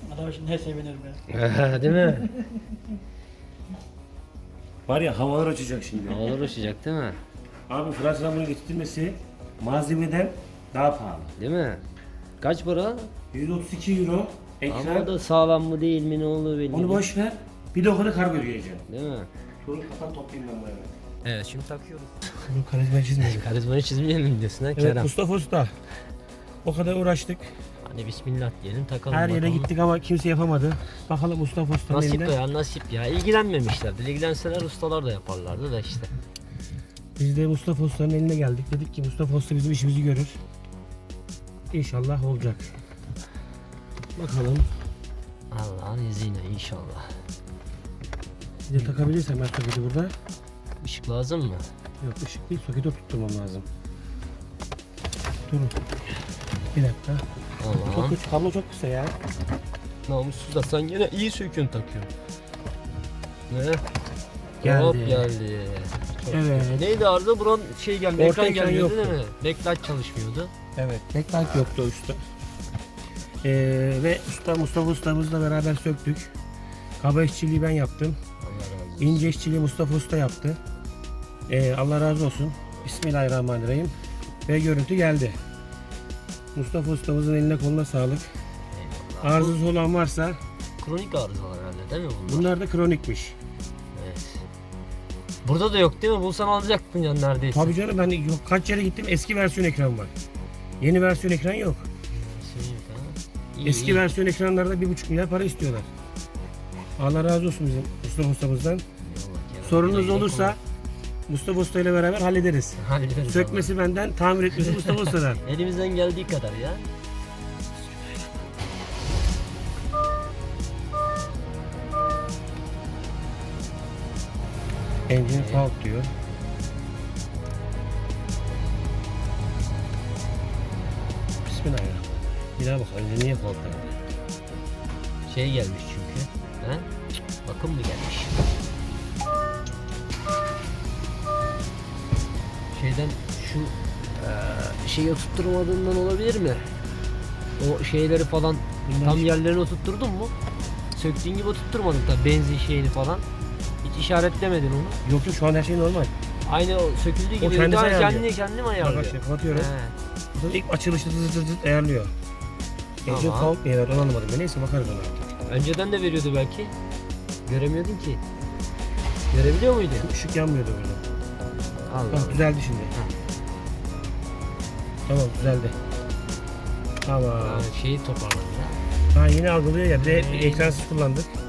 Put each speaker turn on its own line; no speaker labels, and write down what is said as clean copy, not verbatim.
Adam şimdi her sevinir be.
Değil mi?
Var ya havalar açacak şimdi.
Havalar uçacak değil mi?
Abi Fransa'dan bunu getirtilmesi malzemeden daha pahalı.
Değil mi? Kaç para?
132 euro
Ama
ekran.
o da sağlam mı değil mi ne olduğu belli
Onu
değil.
boş ver. Bir de o kadar kargo ödeyeceğim.
Değil mi?
Şunu kapat toplayayım ben böyle.
Evet şimdi takıyoruz.
Bu karizmayı çizmeyelim.
Karizmayı çizmeyelim diyorsun ha
Evet
Kerem.
Mustafa Usta. O kadar uğraştık.
Hadi bismillah diyelim takalım
Her yere
bakalım.
gittik ama kimse yapamadı. Bakalım Mustafa Usta'nın
Nasip
elinden.
ya nasip ya. İlgilenmemişlerdi. İlgilenseler ustalar da yaparlardı da işte.
Biz de Mustafa Usta'nın eline geldik. Dedik ki Mustafa Usta bizim işimizi görür. İnşallah olacak. Bakalım.
Allah'ın izniyle inşallah.
Bir de takabilirsem ben soketi burada.
Işık lazım mı?
Yok ışık değil soketi tutturmam lazım. Durun. Bir dakika.
Allah'ım.
Çok kablo çok kısa ya.
Namussuz da sen gene iyi söküyorsun takıyorsun. Ne?
Geldi.
Hop geldi. Çok
Evet.
güzel. Neydi arıza? Buran şey gelmiyor.
Orta
Ekran
ekran
gelmiyordu
yoktu.
değil mi? Backlight çalışmıyordu.
Evet. Backlight yoktu o üstte. Ve Mustafa Usta'mızla beraber söktük. Kaba işçiliği ben yaptım.
Allah razı olsun.
İnce işçiliği Mustafa Usta yaptı. Allah razı olsun. Bismillahirrahmanirrahim. Ve görüntü geldi. Mustafa Usta'mızın eline koluna sağlık.
Eyvallah.
Arızası olan varsa
Kronik arızalar herhalde değil mi bunlar?
bunlar da kronikmiş.
Evet. Burada da yok değil mi? Bulsan alacaktın ya neredeyse.
Tabii canım ben yok, kaç yere gittim eski versiyon ekran var. Yeni versiyon ekran yok.
Şey yok ha. İyi,
Eski
iyi.
versiyon ekranlarda 1,5 milyar para istiyorlar. Allah razı olsun bizim Mustafa Usta'mızdan.
Eyvallah Kerem.
Sorunuz
Güle güle
olursa Mustafa Usta ile beraber hallederiz.
kullan. Hallederiz
Sökmesi benden, tamir etmesi Mustafa Usta'dan.
ama. Elimizden geldiği kadar ya.
Engine fault diyor. Bismillahirrahmanirrahim. Bir daha bakalım niye fault var?
Şey gelmiş çünkü. He? Bakım mı gelmiş? Şeyden şu şeyi oturtturmadığından olabilir mi? O şeyleri falan
Bunlar
tam yerlerine oturtturdun mu? Söktüğün gibi oturtturmadın tabi benzin şeyini falan. Hiç işaretlemedin onu.
Yok şu an her şey normal.
Aynı o söküldüğü gibi
kendisi
daha
ayarlıyor.
kendi mi
Bak
ayarlıyor?
işte kapatıyorum.
He.
Burada ilk açılışta zıt ayarlıyor. Engine
Tamam.
fault niye var onu anlamadım. Ben neyse bakarız ona artık.
Önceden de veriyordu belki. Göremiyordun ki. Görebiliyor muydun?
Işık yanmıyordu böyle.
Allah
Bak
Allah.
düzeldi şimdi. Tamam düzeldi. Tamam.
Şeyi toparladı ya.
Ha yine algılıyor ya. Bir de ekransız kullandık.